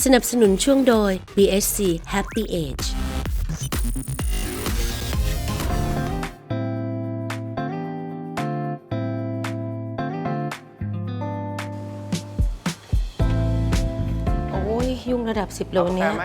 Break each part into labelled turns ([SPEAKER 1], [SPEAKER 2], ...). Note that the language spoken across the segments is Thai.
[SPEAKER 1] สนับสนุนช่วงโดย BSC Happy Ageโอ้ยยุ่งระดับ10โลเนี้ย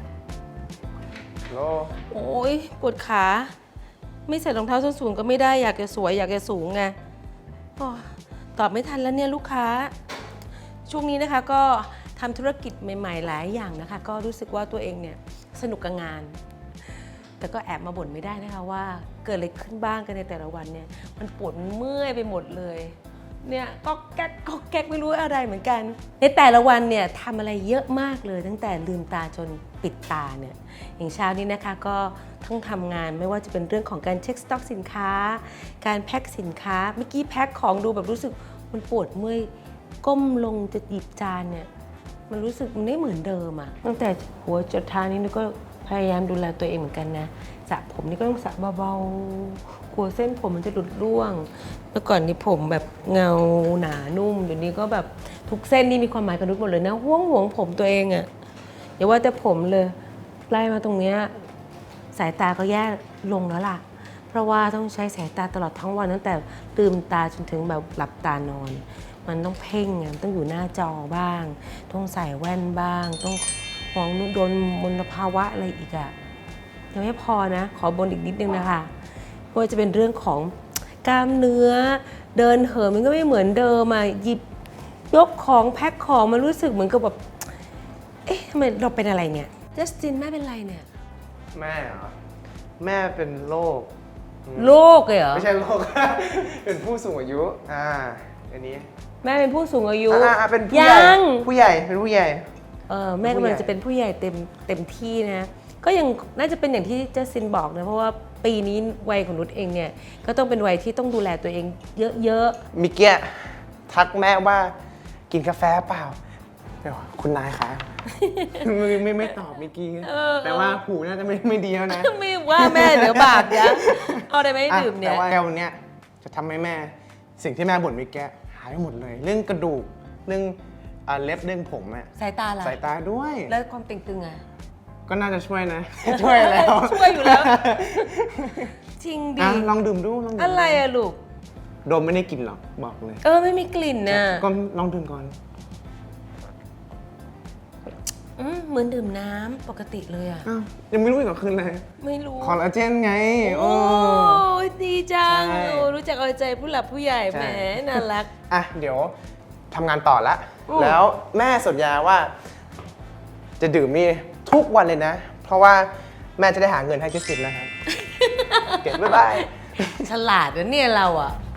[SPEAKER 1] โอ้ยปวดขาไม่ใส่รองเท้าส้นสูงก็ไม่ได้อยากจะสวยอยากจะสูงไงตอบไม่ทันแล้วเนี่ยลูกค้าช่วงนี้นะคะก็ทำธุรกิจใหม่ๆหลายอย่างนะคะก็รู้สึกว่าตัวเองเนี่ยสนุกกับงานแต่ก็แอบมาบ่นไม่ได้นะคะว่าเกิดอะไรขึ้นบ้างกันในแต่ละวันเนี่ยมันปวดเมื่อยไปหมดเลยเนี่ยก็แก๊กไม่รู้อะไรเหมือนกันในแต่ละวันเนี่ยทำอะไรเยอะมากเลยตั้งแต่ลืมตาจนปิดตาเนี่ยอย่างเช้านี้นะคะก็ต้องทำงานไม่ว่าจะเป็นเรื่องของการเช็คสต็อกสินค้าการแพ็คสินค้าเมื่อกี้แพ็คของดูแบบรู้สึกมันปวดเมื่อยก้มลงจะหยิบจานเนี่ยมันรู้สึกมันไม่เหมือนเดิมอะตั้งแต่หัวจนเท้านี่ก็พยายามดูแลตัวเองเหมือนกันนะสระผมนี่ก็ต้องสระเบาๆกลัวเส้นผมมันจะหลุดร่วงเมื่อก่อนนี่ผมแบบเงาหนานุ่มเดี๋ยวนี้ก็แบบทุกเส้นนี่มีความหมายกับนุชหมดเลยนะห่วงผมตัวเองอะอย่าว่าแต่ผมเลยไล่มาตรงเนี้ยสายตาก็แย่ลงแล้วล่ะเพราะว่าต้องใช้สายตาตลอดทั้งวันตั้งแต่ลืมตาจนถึงแบบหลับตานอนมันต้องเพ่งไงต้องอยู่หน้าจอบ้างต้องใส่แว่นบ้างต้องมองโดนมลภาวะอะไรอีกอะยังไม่พอนะขอบนอีกนิดนึงนะคะเพราะว่าจะเป็นเรื่องของกล้ามเนื้อเดินเหินมันก็ไม่เหมือนเดิมอะหยิบยกของแพ็คของมันรู้สึกเหมือนกับแบบเอ๊ะทำไมเราเป็นอะไรเนี่ยจัสตินแม่เป็นไรเนี่ย
[SPEAKER 2] แม่เหรอแม่เป็นโรค
[SPEAKER 1] เลยเหรอ
[SPEAKER 2] ไม่ใช่โรค เป็นผู้สูงอายุอันนี้
[SPEAKER 1] แม่เป็นผู้สูงอายุ
[SPEAKER 2] เป็นผู้ใหญ่เป็นผู้ใหญ่
[SPEAKER 1] แม่กำลังจะเป็นผู้ใหญ่เต็มที่นะก็ยังน่าจะเป็นอย่างที่เจสซินบอกนะเพราะว่าปีนี้วัยของนุชเองเนี่ยก็ต้องเป็นวัยที่ต้องดูแลตัวเองเยอะ
[SPEAKER 2] มิเกียทักแม่ว่ากินกาแฟเปล่าเดี๋ยวคุณนายคะ ไม่ตอบมิกกี้แต่ว่าหูน่าจะไม่ดีแล้วนะ
[SPEAKER 1] ไม่ว่าแม่เดี๋ยวบาปนะเอาได้ไหมดื่มเนี่ย
[SPEAKER 2] แต่ว่าแก้วเนี้ยจะทำให้แม่สิ่งที่แม่บ่นมิกกี้หายไปหมดเลยเรื่องกระดูกเรื่องเล็บเรื่องผมอะ
[SPEAKER 1] สายตาล่ะ
[SPEAKER 2] สายตาด้วย
[SPEAKER 1] แล้วความตึงๆอะ
[SPEAKER 2] ก็น่าจะช่วยนะช่วยแล้ว
[SPEAKER 1] ช่วยอยู่แล้วจริงดิ
[SPEAKER 2] ลองดื่มดู
[SPEAKER 1] อะไรอะลูก
[SPEAKER 2] ดมไม่ได้กลิ่นหรอกบอกเลย
[SPEAKER 1] ไม่มีกลิ่นนะ
[SPEAKER 2] ก็ลองดื่มก่อน
[SPEAKER 1] เหมือนดื่มน้ำปกติเลยอ่ะ
[SPEAKER 2] ยังไม่รู้อีกเหรอคืนเลย
[SPEAKER 1] ไม่รู้
[SPEAKER 2] คอลลาเจนไง
[SPEAKER 1] โอ้ดีจังรู้จักเอาใจผู้หลักผู้ใหญ่แหมน่ารัก
[SPEAKER 2] เดี๋ยวทำงานต่อละแล้วแม่สัญญาว่าจะดื่มนี่ทุกวันเลยนะเพราะว่าแม่จะได้หาเงินให้เจสสินแล้วครับเก็บบ๊ายบาย
[SPEAKER 1] ฉลาดนะเนี่ยเราอ่ะ